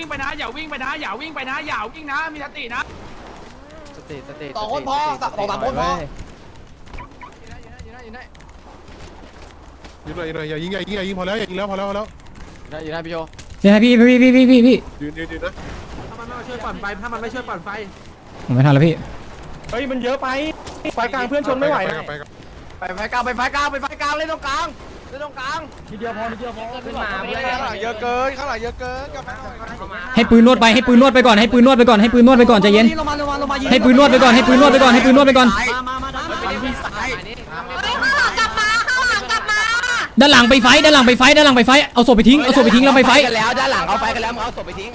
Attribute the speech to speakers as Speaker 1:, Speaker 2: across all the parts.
Speaker 1: ไปนะอย่าวิ่งไปนะอย่าวิ่งไปนะอย่าวิ่งนะมีสตินะ
Speaker 2: สติ
Speaker 3: 2 คนพอ2-3 คนพอ
Speaker 4: ยิงเลยอย่ายิงพอแล้วอย่ายิงแล้วพอแล้ว
Speaker 2: อยู่ได้พี่โย
Speaker 5: เนี่ยพี่
Speaker 4: ยืนนะ
Speaker 2: ถ้ามันไม่ช่วยปั่นไฟถ้ามันไม่ช่วยปั่นไฟ
Speaker 5: ผมไม่ทันแล้วพี่
Speaker 6: เฮ้ยมันเยอะไปไฟกลางเพื่อนชนไม่ไหว
Speaker 4: ไป
Speaker 3: ไปไฟกลางเล่นตรงกลาง
Speaker 6: ทีเดียวพอ
Speaker 3: ขึ้นมาเพื่อนข้างหลังเยอะเกินกลับมา
Speaker 5: ให้ปืนนวดไปก่อนใจเย็นให้ปืนนวดไปก่อน
Speaker 3: มา
Speaker 7: ข้างหลังกลับมา
Speaker 5: ด้านหลังไปไฟเอาศพไปทิ้งแล้วไปไฟ
Speaker 3: กันแล้วด้านหลังเอาไฟกันแล้วมึงเอาศพไปทิ้ง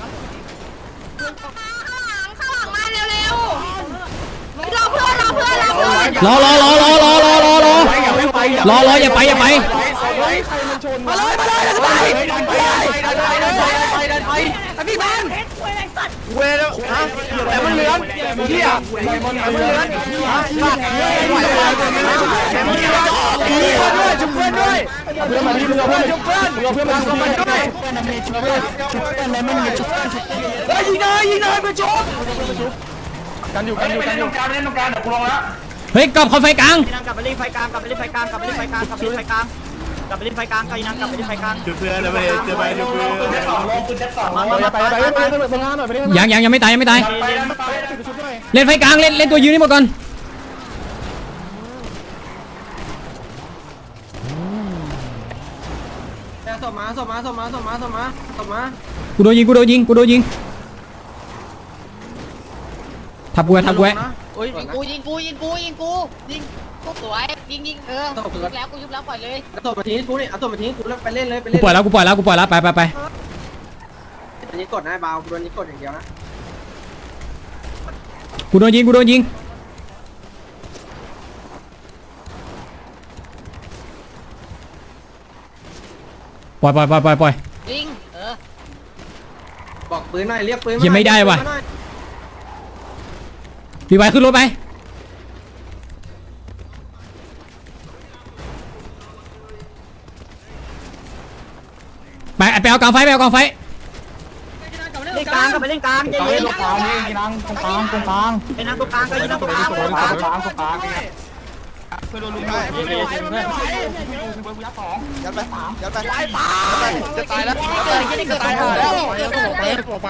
Speaker 7: ข้างหลังมาเร็วรอเพื่อน
Speaker 5: รออย่าไป
Speaker 3: มาเลยพี่แมนเวรแต่มันเหลืองเหี้ยมันเหลืองจุ๊บเพื่อนด้วยเพื่อนมาดีมึงเอาเพื่อนจุ๊บเพื่อนมาส่งมันด้วยยิงเลยไปจุ๊บกันอยู่เล่นตรงกลางเดี๋ยวกูลงแล้ว
Speaker 5: เฮ้ยกลับเข้าไฟกลาง
Speaker 3: กลับไปเล่นไฟกลางกลับไปเล่นไฟกลางกลับไปเล่นไฟกลางก็ยิงกลับไปเล่นไฟกลาง
Speaker 4: จุดเพื่อนไปจุดเพื่อน
Speaker 5: ยังไม่ตายเล่นไฟกลางเล่นตัวยืนนี่หมดก่อน
Speaker 3: ส่งมา
Speaker 5: กูโดนยิงทับกู
Speaker 7: ยิงกูสวยยิงยุบแล้วปล่อยเลย
Speaker 3: เอาตัวมาทิ้งกูนี่เอาตัวมาทิ้งกูแล้วไปเล่นเลยไป
Speaker 5: กู
Speaker 3: เล่น
Speaker 5: ปล่อยแล้วไป
Speaker 3: อันนี้กดนะเบากูโดนนี้กดอย่างเดียวนะ
Speaker 5: กูโดนยิงปล่อย
Speaker 7: ยิง
Speaker 3: บอกปืนหน่อยเรียกปืน
Speaker 5: ยังไม่ได้ว่ะรีไวขึ้นรถไปเอากลางไฟ
Speaker 3: เล่นกลางก็ไปเล่นกลางใจเย็น
Speaker 6: ตรงกลางไอ้นั่งตรงกลาง
Speaker 3: ไอ้นั่งตรงกลางก็ยิงตรงกลาง
Speaker 4: ช่วยโดนลุงยัดไปจะตายแล้วไป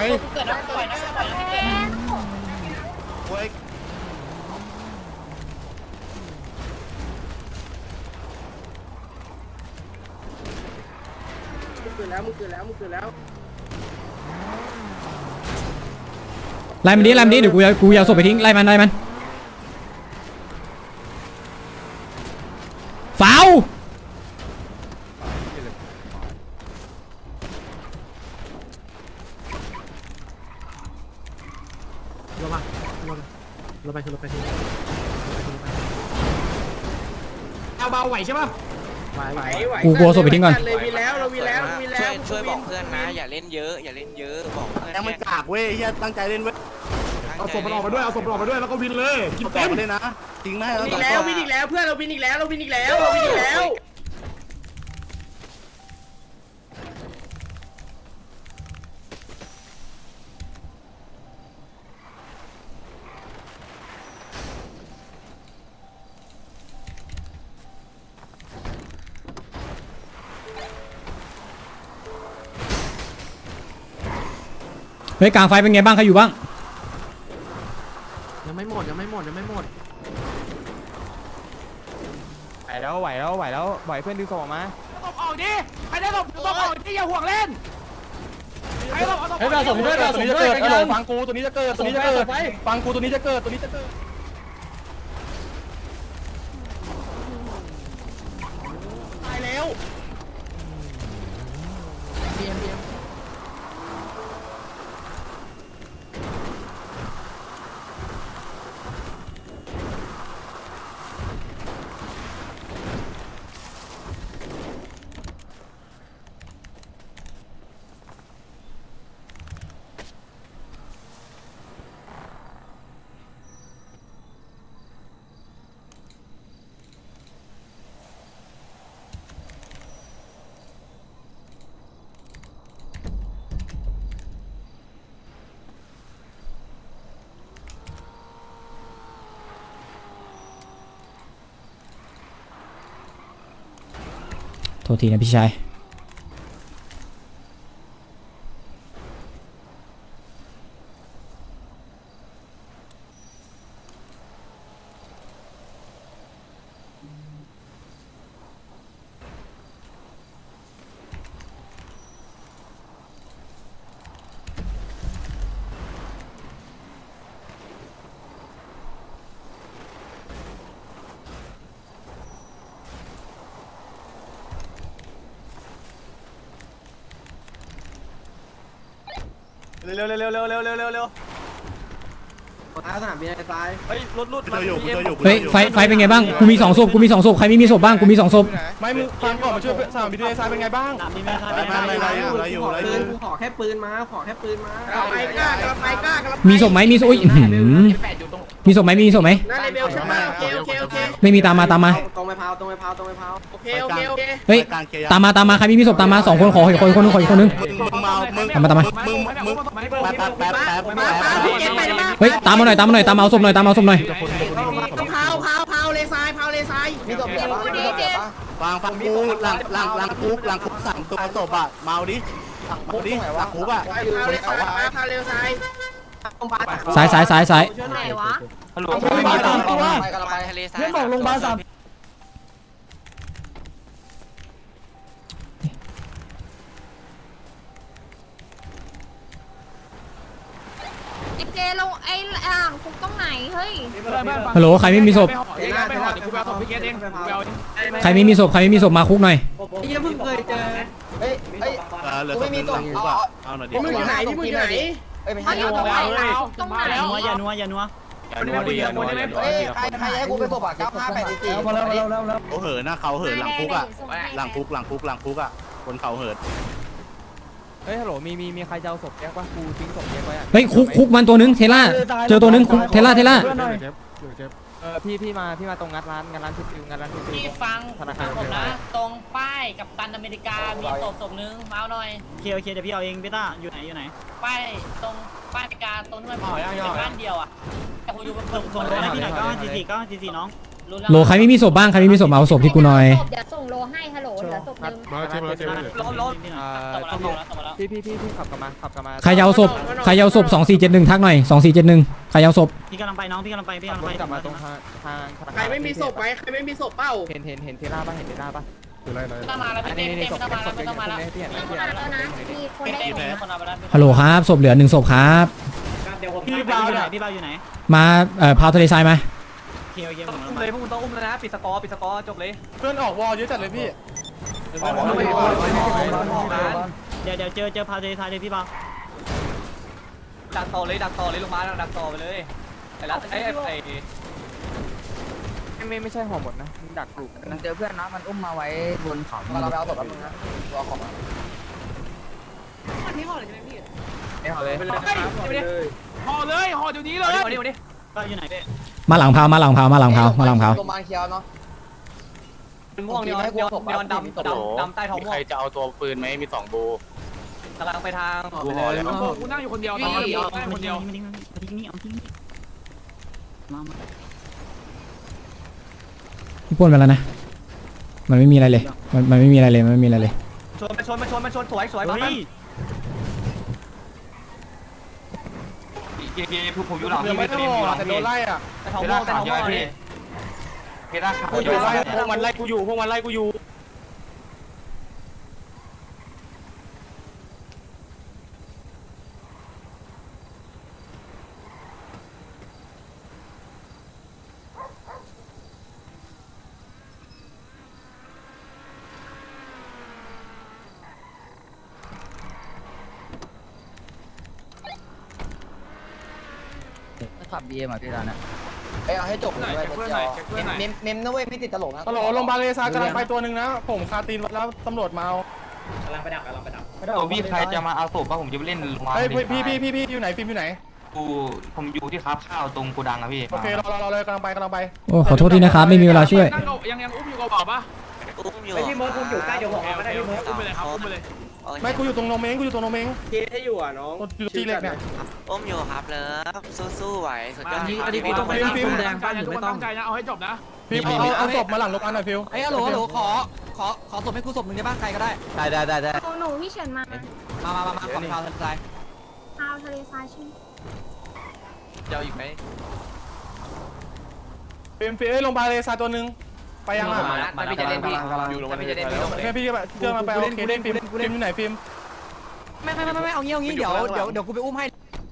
Speaker 3: มึงเกิดแล้ว
Speaker 5: ไล่มันดิเดี๋ยวกูเอาศพไปทิ้งไล่มันฟาว
Speaker 2: ลงไปเอาเบาไหวใช่ป่ะไหว
Speaker 5: กูกลัวศพไปทิ้งก่อน
Speaker 3: เรามีแล้ว
Speaker 8: ช่วยบอกเพื่อนนะอย่าเล่นเยอะบอกเพื่อน
Speaker 6: ยังไม่กากเว้ยเฮียตั้งใจเล่นเว้ย
Speaker 2: เอาศพมันออกมาด้วยแล้วก็วินเลยกินเต็ม
Speaker 6: เลยนะจริงไหม
Speaker 3: วินอีกแล้วเพื่อนเราวินอีกแล้ว
Speaker 5: เฮ้ยกลางไฟเป็นไงบ้างใครอยู่บ้าง
Speaker 2: ยังไม่หมดไหวเพื่อนดึงศพออกมา
Speaker 1: ตบออกดิใครได้ตบออกดิอย่าห่วงเล่นใครตบ
Speaker 6: เฮ้ยเราส่งด้วยตัวนี้จะเกิดฟังกูตัวนี้จะเกิดฟังกูตัวนี้จะเกิด
Speaker 3: ตายแล้ว
Speaker 5: โทษทีนะพี่ชาย
Speaker 3: เร็วสนามบินไอ้ซ้ายเฮ้ยรถมาอยู่
Speaker 5: เฮ้ยไฟเป็นไงบ้างกูมี2ศพกูมี2ศพใครไม่มีศพบ้างกูมี2ศพ
Speaker 6: ไม่มึงฟังก่อนมาช่วยสนามบินทรายเป็นไงบ้าง
Speaker 3: กูขอแค่ปืนมาไปกล้ากระ
Speaker 5: มีศพไหมมีศพอุ้ยมีศพไหมมีศพไหม
Speaker 3: นั่นเลเวลใช่ไหมโอเค
Speaker 5: ไม่มีตามมา
Speaker 3: ตรงไปพาวโอเค
Speaker 5: เฮ้ยตามมาใครไม่มีศพตามมา2คนขออีกคนนึงตามมาเฮ้ยตามมาหน่อยตามเอาศพหน่อย
Speaker 3: พาวเลยซ้ายมีศพเหลือปะ
Speaker 2: ฟังกูหลังคุก3ตัวศพอ่ะเมาดิหลังคุกอ่ะ
Speaker 3: พาวเลยซ้าย
Speaker 5: ซ้าย
Speaker 7: ไหนวะ
Speaker 8: ฮัลโหล
Speaker 3: ไปทะเลทราย
Speaker 1: เพื่อนบอกโรงพยาบาล3
Speaker 7: เจลงไอ้อ่างคุกตรงไหนเฮ้ย
Speaker 5: ฮัลโหลใครไม่มีศพ
Speaker 1: ไปห่อเดี๋ยวกูไปเอาศพพี่เกตเองกูไปเอาเอง
Speaker 5: ใครไม่มีศพมาคุกหน่อย
Speaker 3: ยังเพิ่งเคยเจอเหลือไม่มีศพเอาหน่อยดิมึงอยู่ไหนมึงอยู่ไหน
Speaker 7: เขาอยู่ตรงไหนตรงไหน
Speaker 1: อย่านัว
Speaker 3: ใครให้กูไปศพอ่ะ9584
Speaker 1: มาแล้ว
Speaker 2: เขาเหินนะเขาเหินหลังคุกอ่ะหลังคุกอ่ะคนเขาเหิน
Speaker 6: เฮ้ยฮัลโหลมีใครจะเอาศพแยกป่ะกูทิ้งศพแยกไว้อ่ะ
Speaker 5: เฮ้ยคุกมันตัวนึงเทล่าเจอตัวนึงเทล่า
Speaker 6: พี่มาตรงงานร้านที่ฟิวงานร้านที่ฟิว
Speaker 9: พี่ฟังผมนะตรงป้ายกับตันอเมริกามีศพนึงมาเอาหน่อย
Speaker 1: โอเคเดี๋ยวพี่เอาเองพี่ต้าอยู่ไหน
Speaker 9: ป้ายตรงป้ายอเมริกาตรงนู้นเป็นบ้านเดียวอ่ะแต่ผมอยู่บนตึก
Speaker 1: ส่งโลให้พี่หน่อย944น้อง
Speaker 5: โลใครไม่มีศพบ้างใครไม่มีศพเอาศพที่กูหน่อย
Speaker 7: เดี๋ยวส่งโลให้ฮัลโหลเหลือศพนึง
Speaker 6: พี่ขับกลับมา
Speaker 5: ใครจะเอาศพ2471ทักหน่อย2471ใครจะเอาศพ
Speaker 1: พี่กำลังไปน้องพี่กำลังไป
Speaker 6: กลับมาตรงทาง
Speaker 3: ใครไม่มีศพไหมใครไม่มีศพเป้า
Speaker 6: เห็นเทล่าป่ะ
Speaker 9: ไม่ต้องมาแล้วพี่เต้ไม่ต้องมาแล้ว
Speaker 7: แล้วนะมีคนได้ไหม
Speaker 9: คนเอาไปแล้ว
Speaker 5: ฮัลโหลครับศพเหลือ1ศพครับ
Speaker 1: พี่เบาอยู่ไหน
Speaker 5: มาพาวทะเลทรายมา
Speaker 1: โอเคอุ้มเลยพวกมึงต้องอุ้มแล้วนะปิดสกอร์จบเลย
Speaker 6: เพื่อนออกวอลเยอะจัดเลยพี่
Speaker 1: เดี๋ยวเจอพาเททายเลยพี่เบา
Speaker 6: ดักต่อเลยลงมาดักต่อไปเลยไม่ใช่ห่อหมดนะดักกลุ่ม
Speaker 3: มันเจอเพื่อนนะมันอุ้มมาไว้บนเขาเราไปเอาศพแป๊บนึงนะตัวของมัน
Speaker 6: ไม่ห่อเลย
Speaker 1: ห่อเลยห่อเดี๋ยวนี้เลยก็อยู่ไหนพี่
Speaker 5: มาหลังพาว
Speaker 3: โรงพยาบาลเคียวเนาะ
Speaker 6: เป็นม่วงเนี่ยดำใต้ท้องม่วง
Speaker 2: ใครจะเอาตัวปืนไหมมี2บู
Speaker 6: กำลังไปทาง
Speaker 1: กูนั่งอยู่คนเดียวตอนนี้นั่งคนเดียว
Speaker 5: พี่ป้นไปแล้วนะมันไม่มีอะไรเลยมันไม่มีอะไรเลย
Speaker 6: ชนสวยปั๊บผมอยู่หลังพี่ไม่ได้แต่โดนไล่อ่ะแต่ท้องม่วงนี่เพดาขาพวกมันไล่กูอยู่
Speaker 3: ขับ BM อ่ะพี่ร้านน่ะเอาให้จบเลยเมมนะเว้ยไม่ติดตลกนะ
Speaker 6: ฮัลโหลโรงพยาบาลเลซากำลังไปตัวนึงนะผมคาตีนแล้วตำรวจมาเอา
Speaker 1: กำลังไปดัก
Speaker 10: พี่ใครจะมาเอาศพป่ะผมจะไปเล่นโรงพยาบาล
Speaker 6: พี่อยู่ไหนฟิล์มอยู่ไหน
Speaker 10: ผมอยู่ที่ครับข้าวตรงโกดังอะพี่
Speaker 6: โอเครอเลยกำลังไป
Speaker 5: โอ้ขอโทษทีนะครับไม่มีเวลาช่วย
Speaker 1: ยังอุ้มอยู่กับบอกปะ
Speaker 8: อุ้มอยู่
Speaker 1: พี่เมิร์ดอุ้มอยู่ใกล้เดี๋ยวบอกไม่ได้พี่เมิร์ดอุ้มไปเลยครับอุ้มไปเลย
Speaker 6: ไม่กูอยู่ตรงโนเม้ง
Speaker 3: เกให้อยู่อ่ะน้อง
Speaker 6: อยู่ที่เล็กเนี่ย
Speaker 8: อุ้มอยู่ครับเลิฟสู้ไหวสุดยอด
Speaker 1: อันนี้พี่ต้องไปตั้งใจนะเอาให้จบนะ
Speaker 6: ฟิล์มเอาศพมาหลังโรงพยาบาลหน่อยฟิล์ม
Speaker 3: ฮัลโหลขอขอศพให้กูศพหนึ่งได้ป่ะใครก็ได้
Speaker 2: ได้
Speaker 11: หนูพี่เฉินมา
Speaker 3: มาฝั่งข่าวทะเลทราย
Speaker 11: พาวทะเลทรายใช่ไหม
Speaker 8: เจ้าอีกไหม
Speaker 6: ฟิล์มโรงพยาบาลเลซาตัวนึงไปยังอ่ะ
Speaker 8: แต่พี่จะเล่นพี่
Speaker 4: อยู่ลงมา
Speaker 8: พี่จะเล่นพี่ลงเลย
Speaker 6: แค่พี่เจอมาไปโอเคเล่นฟิล์มอยู่ไหนฟิล์ม
Speaker 3: ไม่เอางี้เดี๋ยวกูไปอุ้มให้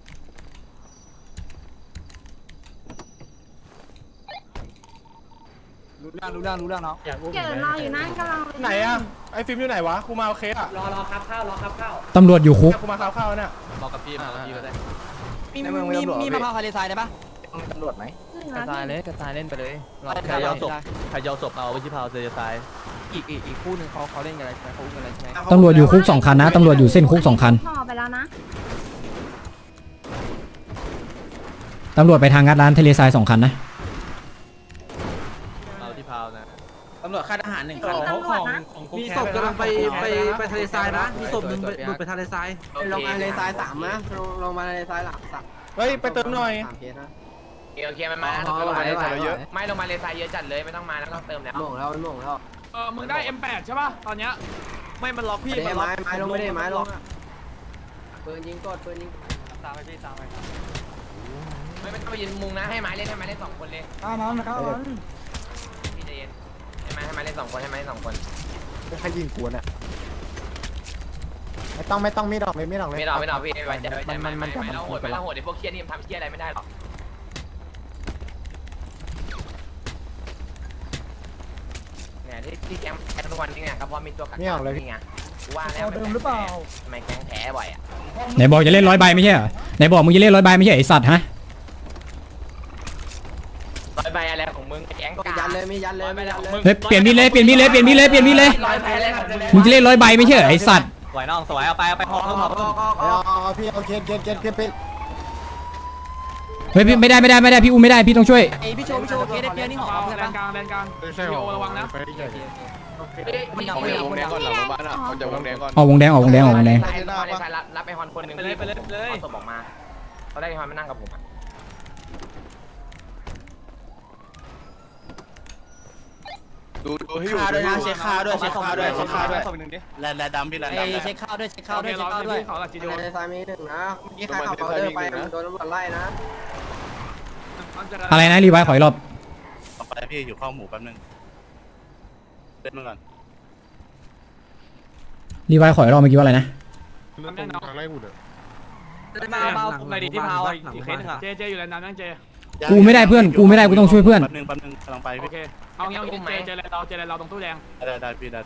Speaker 3: รู้เรื่องเนาะ
Speaker 11: เฉินรออยู่นั่นกำลัง
Speaker 6: ไหนอ่ะไอ้ฟิล์มอยู่ไหนวะกูมาโอเคอ่ะ
Speaker 9: รอครับข้าว
Speaker 5: ตำรวจอยู่คุก
Speaker 6: กูมาข้าวเนี่ย
Speaker 8: บอกกับพี่มาพี่ก็ได้
Speaker 3: มีมะพร้าวทะเลทรายได้ปะ
Speaker 2: ตำรวจไหม
Speaker 11: กระจายเลย
Speaker 2: กระจายเล่นไปเลย
Speaker 3: ใครเอาศพ
Speaker 2: ใครเอาศพเอาไปที่พาวเซอร์ไซ
Speaker 3: อีกคู่หนึ่งเขาเล่นกันอะไรใช่ไหมเขาอุ้มกันอะไรใช่ไหม
Speaker 5: ตำรวจอยู่คุก2 คันนะตำรวจอยู่เส้นคุก2 คัน
Speaker 11: ห่อไปแล้วนะ
Speaker 5: ตำรวจไปทางงัดร้านทะเลทราย2 คันนะ
Speaker 2: เอาที่พาวนะ
Speaker 3: ตำรวจค่ายทหาร1 คัน
Speaker 11: มีตำรวจนะ
Speaker 3: มีศพกำลังไปทะเลทรายนะมีศพหนึ่งหลุดไปทะเลทราย
Speaker 8: ลงมาเลยซ้ายสามนะ
Speaker 7: ลงมาในซ้ายหลังสัก
Speaker 6: เฮ้ยไปเติมหน่อย
Speaker 8: โอเคมันมาลงมาเลยซ้ายเยอะไม่ลงมาเลยซ้ายเยอะจัดเลยไม่ต้องมาแล้วต้องเติมแล้ว
Speaker 7: หม่งแล้ว
Speaker 1: มึงได้ M8 ใช่ป่ะตอนเนี้ย
Speaker 3: ไม่มันล็อกพี่
Speaker 7: ไม้ลงไม่ได้ไม้ลงปืนยิงกดปืนยิง
Speaker 3: ตามไปพี่ตามไป
Speaker 8: ไม่ต้องไปยืนมุงนะให้ไม้เล่น2 คนเลยพี่ใจเย็นให้ไม้เล่น2 คนให้ไม้2 คน
Speaker 2: ใครยิงกวนอ่ะไม่ต้องไม่ดอกเลย
Speaker 8: ไม่รอพี่ไว้ใจไม่เราโหดไอ้พวกเชี่ยนี่ทำเชี่ยอะไรไม่ได้หรอกเนี่ยที่แกงแพ้ทุกวันนี่ไงครับเพราะมีตัวกักนี่ไงว่าแล้วเดิมหรือเปล่าทำไมแกงแพ้บ่อยอ่ะ
Speaker 5: ไหนบอกจะเล่น100 ใบไม่ใช่เหรอไหนบอกมึงจะเล่น100 ใบไม่ใช่ไอสัตว์ฮะ
Speaker 8: 100 ใบอะไรของมึงแกงก็
Speaker 7: ยันเลยไม่ยันเลย
Speaker 5: เฮ้ยเปลี่ยนมีดเลยมึงจะเล่น100 ใบไม่ใช่เหรอไอสัตว์
Speaker 3: สวยน้องสวยเอาไปพอ
Speaker 2: พี่เอาเกณฑ์
Speaker 5: เฮ้ยพี่ไม่ได้พี่อุ้มไม่ได้พี่ต้องช่วย
Speaker 3: ไอพี่โชว์เคสเดียวนี่หอม
Speaker 1: แลนกลางใช่หรอระวังนะ
Speaker 3: มันดัง
Speaker 4: วงแดงก่อนหลังโรงพยาบาลอ่ะเขาจะวงแดงก่อน
Speaker 5: ออกวงแดง
Speaker 8: รับไอฮอนคนนึงไปเลยเอาศพออกมาเขาได้ไอฮอนมานั่งกับผม
Speaker 4: ดูให้อยู่
Speaker 3: เช็คข้าวด้วย
Speaker 2: แลนดำพี่แลน
Speaker 3: ไอ
Speaker 2: ดำ
Speaker 3: เช็คข้าวด้วย
Speaker 1: เขาหลักจีโด
Speaker 7: ในซ้ายมีหนึ่งนะนี่ใครขับเดินไปโดนตำรวจไล่นะ
Speaker 5: อะไรนะรีไวซ์ขออีกรอบ
Speaker 2: ต่อไปพี่อยู่ข้าวหมูแป๊บนึงเล่นมาก่อน
Speaker 5: รีไวซ์ขออีกรอบเมื่อกี้ว่าอะไรนะ
Speaker 3: มาในดีที่พาวอีกเคสนึงอ่ะ
Speaker 1: เจอยู่แลนนั้นนั่งเจ
Speaker 5: กูไม่ได้เพื่อนกูต้องช่วยเพื่อน
Speaker 2: แป๊บนึงกำลังไป
Speaker 1: โอ
Speaker 2: พี่
Speaker 1: เคเอางี้เจเราตรงตู้แดง
Speaker 2: ได้พี่ได้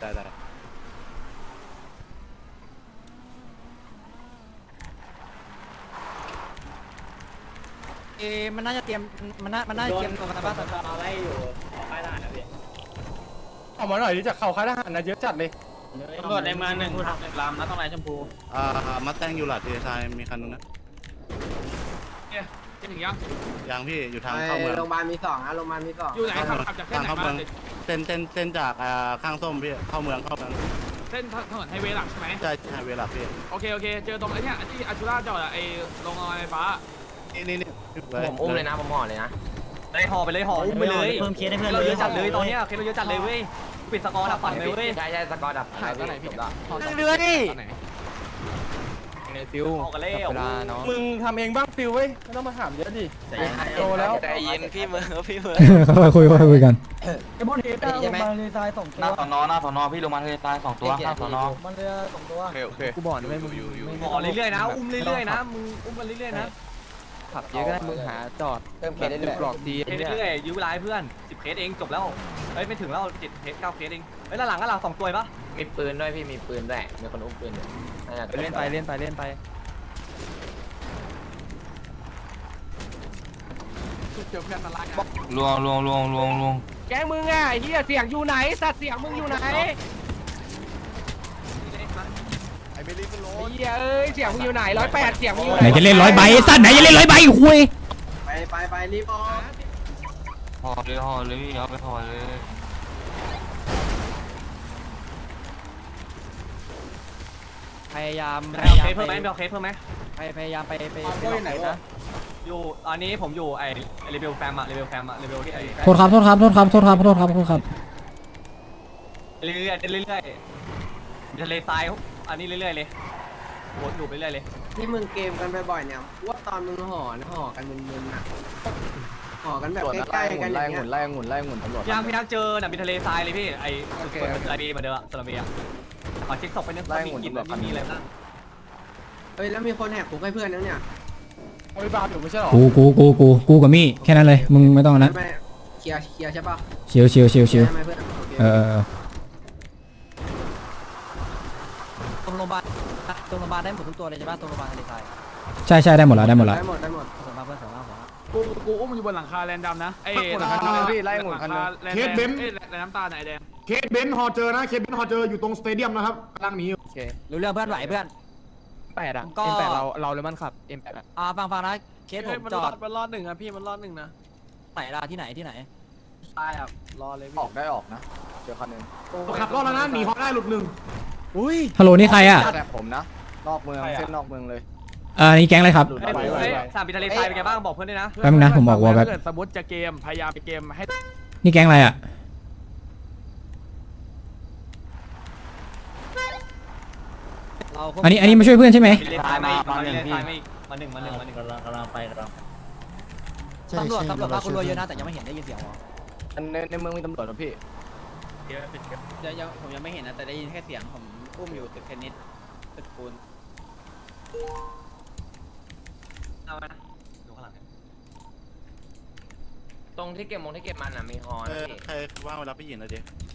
Speaker 3: มันน่าจะเตรียมตัวกันบ้าง
Speaker 9: มาไล่อยู่ป้ายทหารนะพี่
Speaker 6: ออกมาหน่อยดิจากเขาค่ายทหารนะเยอะจัดเลย
Speaker 9: ตำรวจในเมือง1 ลำนะต้องไหนชมพู
Speaker 2: มาแต่งอยู่หลัดทีทรายมีคันนึงนะ
Speaker 1: จะถึงยัง
Speaker 2: ยังพี่อยู่ทางเข้าเมือง
Speaker 7: โรงพยาบาลมี2นะโรงพยาบาลมี2
Speaker 1: อยู่ไหนขับจากเส้นไหนมา
Speaker 2: เส้นจากข้างส้มพี่เข้าเมือง
Speaker 1: เส้นถนนไฮเวย์หลักใช่ไหม
Speaker 2: ใช่เวลาพี่
Speaker 1: โอเคเจอตรงไอ้เนี่ยที่อาชูราจอดอะไอ้ลงรอยไฟฟ้า
Speaker 2: นี่
Speaker 8: ผมอุ้มเลยนะผมห่อเลยนะ
Speaker 3: ได้ห่อไปเลยห่ออุ้มไปเลยเพิ่มเคสให้เพื่อนเราเยอะจัดเลยตอนนี้เคสเราเยอะจัดเลยเว้ยปิดสกอร์ดับฝันเลยเว้ย
Speaker 8: ใช่สกอร์ดับหายไปไหนพี่
Speaker 3: นั่งเรือดิ
Speaker 2: ฟิว
Speaker 3: ออกกันเลย
Speaker 2: เวลาเนาะ
Speaker 6: มึงทำเองบ้างฟิวเว้ยไม่ต้องมาถามเยอะดิโตแล้ว
Speaker 8: ใจเย็นพี่เมือพี่เมือ
Speaker 5: เขาไปคุยกัน
Speaker 7: ไอ้บอลเฮต้าลงมาเลยทราย2
Speaker 10: หน้าสอนอพี่ลงมาทะเลทราย2 ตัวข้างสอนอ
Speaker 7: มันเรือ2 ตัว
Speaker 4: โอเค
Speaker 2: กูบอกด้วยมึง
Speaker 3: ห่อเรื่อยๆนะอุ้มเรื่อยๆนะมึงอุ้มกันเรื่อยๆนะ
Speaker 2: ขับเยอะก็ได้มึงหาจอด
Speaker 7: เติมเคสได้เลย
Speaker 2: หลอกที
Speaker 3: เคสเรื่อยๆยื้อเวลาให้เพื่อน10เคสเองจบแล้วเฮ้ยไม่ถึงแล้ว7เคส9เคสเองเฮ้ยหลัง2ตัวปะ
Speaker 8: มีปืนด้วยพี่มีปืนด้วยมีคนอุ้มปืนอยู่
Speaker 2: เล่นไป
Speaker 10: ลวง
Speaker 1: แกมึงอ่ะไอ้เหี้ยเสียงอยู่ไหนสัตว์เสียงมึงอยู่ไหนไอ้เหี้ยเอ้ยเสียงมึงอยู่ไหน108เสียงมึงอยู่ไห
Speaker 5: ไหน
Speaker 1: น
Speaker 5: จะเล่น100 ใบไอ้สัตว์ไหนจะเล่น100 ใบคุย
Speaker 7: ไปรีบออก
Speaker 10: ห่อเลยเอาไปห่อเลย
Speaker 3: พยายาม
Speaker 9: เอาเคสเพิ่มไหมเอาเคสเพิ่มไหม
Speaker 3: พยายามไปไหนนะอยู่ตอนนี้ผมอยู่ไอ้เลเวลแฟมอะเลเวลที่ไอ้
Speaker 5: โทษครับ
Speaker 1: เรื่อยๆเรื่อยๆทะเลทรายอันนี้เรื่อยๆเลยวนอยู่ไปเรื่อยเลย
Speaker 3: ที่มึงเกมกันบ่อยๆเนี่ยว่าตอนมึงห่อกันมึนๆอ่ะห่อกันแบบใกล้ๆกันอย่างเงี้ย
Speaker 2: ไล่องุ่นตำรวจ
Speaker 1: พี่ยังเจอน่ะมีทะเลทรายเลยพี่ไอ้ทะเลมาเดิมอะสลับเบียขอเช็คศพไปนึงมีกลิ่นไม่มีอะไรบ้าง
Speaker 3: เฮ้ยแล้วมีคนแหกคุกให้เพื่อนแล้วเนี่ย
Speaker 1: เอาไปบ้าอยู่ไม่ใช่หรอ
Speaker 5: กูกับมี่แค่นั้นเลยมึงไม่ต้องนะ
Speaker 3: ไม่เคลียร์ใช่ป่ะ
Speaker 5: ชิว
Speaker 3: ใช่ไหมเพื่อน
Speaker 9: ตรงโรงพยาบาลได้หมดทุกตัวเลยใช่ป่ะตรงโรงพยาบาลทะเลทราย
Speaker 5: ใช่ได้หมดแล้ว
Speaker 3: ได้หมด
Speaker 9: ส่งมาเพื่อนส่งมา
Speaker 1: กูอุ้มมันอยู่บนหลังคาแรนดัมนะไอ้
Speaker 2: ไล่องุ่นคันนึง
Speaker 1: เคสเบนซ์แรนน้ำตาลไหนแดง
Speaker 6: เคสเบนซ์ฮอเจอนะเคสเบนซ์ฮอเจออยู่ตรงสเตเดียมนะครับกำลังหนีอยู่
Speaker 9: รู้เรื่องเพื่อนไหวเพื่อน
Speaker 3: 8 อ่ะ
Speaker 9: ก็
Speaker 3: M8 เราเลยมันขับ M8 อ่ะ
Speaker 9: ฟังนะเคสผมจอด
Speaker 1: มันรอดหนึ่งอะพี่มันรอดหนึ่งนะ
Speaker 9: ไหนล่ะที่ไหน
Speaker 1: ตายอ่ะรอเลย
Speaker 2: ออกนะเจอคันนึง
Speaker 6: ขับรอดแล้วนะหนีฮอได้หลุดหนึ่ง
Speaker 5: ฮัลโหลนี่ใครอ่ะ
Speaker 2: แต่ผมนะนอกเมืองเส้นนอกเมืองเลย
Speaker 5: นี่แก๊งอะไรครับ
Speaker 1: สามปีทะเลทรายเป็นไงบ้างบอกเพื่อนด้วยนะ
Speaker 5: แป๊บนึงนะผมบอกว่าแบบ
Speaker 1: เกิดสมมติจะเกมพยายามไปเกมให้
Speaker 5: นี่แก๊งอะไรอ่ะอันนี้มาช่วยเพื่อนใช่ไหม
Speaker 1: ทะเลทรายมาหนึ่งมาหนึ่งกำลังไป
Speaker 9: ตำรวจมาคุณรวยเยอะนะแต่ยังไม่เห็นได้ยินเสียงหรอ
Speaker 2: ในเมืองมีตำรวจนะพี่
Speaker 3: ผมยังไม่เห็นนะแต่ได้ยินแค่เสียงผมอุ้มอยู่ตึกเทนนิสตึกปูน
Speaker 1: เอามาดูข้างหลัง
Speaker 8: ตรงที่เก็บมันอ่ะมีฮอนะพี่
Speaker 2: ใครว่างเวลาพี่หญิงนะดิ